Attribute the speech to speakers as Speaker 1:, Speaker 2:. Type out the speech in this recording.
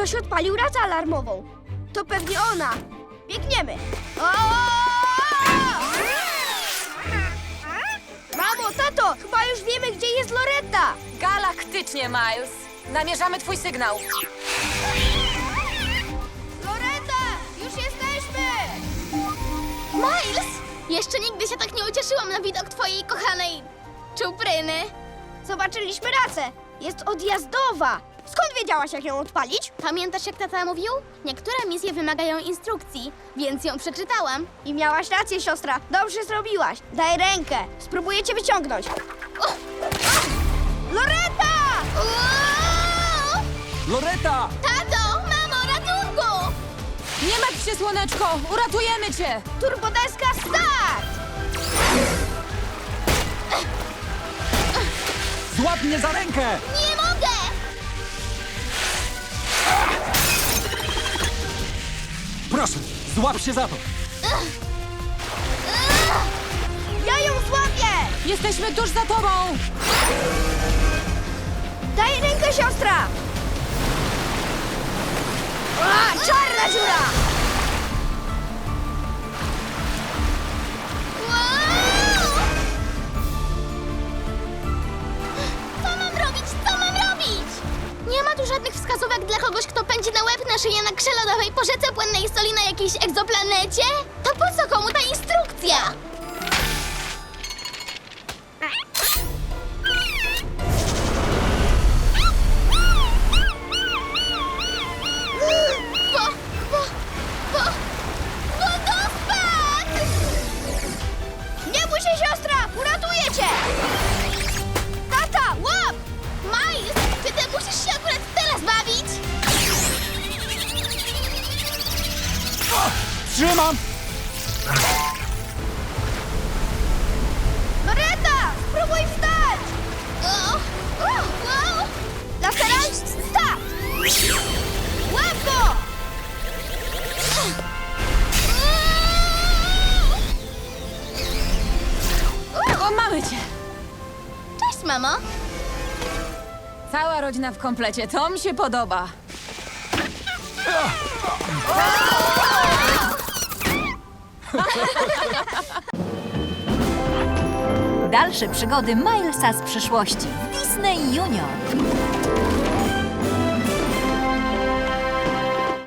Speaker 1: Ktoś odpalił racę alarmową. To pewnie ona. Biegniemy. Mamo, tato, chyba już wiemy, gdzie jest Loretta.
Speaker 2: Galaktycznie, Miles. Namierzamy twój sygnał.
Speaker 1: Loretta, już jesteśmy.
Speaker 3: Miles! Jeszcze nigdy się tak nie ucieszyłam na widok twojej kochanej czupryny.
Speaker 1: Zobaczyliśmy racę. Jest odjazdowa. Skąd wiedziałaś, jak ją odpalić?
Speaker 3: Pamiętasz, jak tata mówił? Niektóre misje wymagają instrukcji, więc ją przeczytałam.
Speaker 1: I miałaś rację, siostra. Dobrze zrobiłaś. Daj rękę. Spróbuję cię wyciągnąć. Loretta!
Speaker 3: Uuu!
Speaker 4: Loretta!
Speaker 3: Tato! Mamo, ratunku!
Speaker 2: Nie martw się, słoneczko! Uratujemy cię!
Speaker 1: Turbodeska start!
Speaker 4: Złap mnie za rękę!
Speaker 3: Nie mogę!
Speaker 4: Proszę, złap się za to!
Speaker 1: Ja ją złapię!
Speaker 2: Jesteśmy tuż za tobą!
Speaker 1: Daj rękę, siostra! Czarna dziura!
Speaker 3: Wow! Co mam robić? Co mam robić? Nie ma tu żadnych wskazówek dla kogoś, kto pędzi na łeb na szyję na grze lodowej po rzece płynnej soli na jakiejś egzoplanecie? To po co komu ta instrukcja? Wodospad!
Speaker 1: Nie bój się, siostra! Uratuję cię! Tata, łap!
Speaker 3: Miles, czy ty musisz się akurat teraz bawić?
Speaker 4: Trzymam!
Speaker 1: Loretta, spróbuj wstać!
Speaker 3: Wow!
Speaker 1: Lateral, start! Łap go!
Speaker 2: O, mamy cię!
Speaker 3: Cześć, mamo.
Speaker 2: Cała rodzina w komplecie, to mi się podoba.
Speaker 5: Dalsze przygody Milesa z przyszłości w Disney Junior.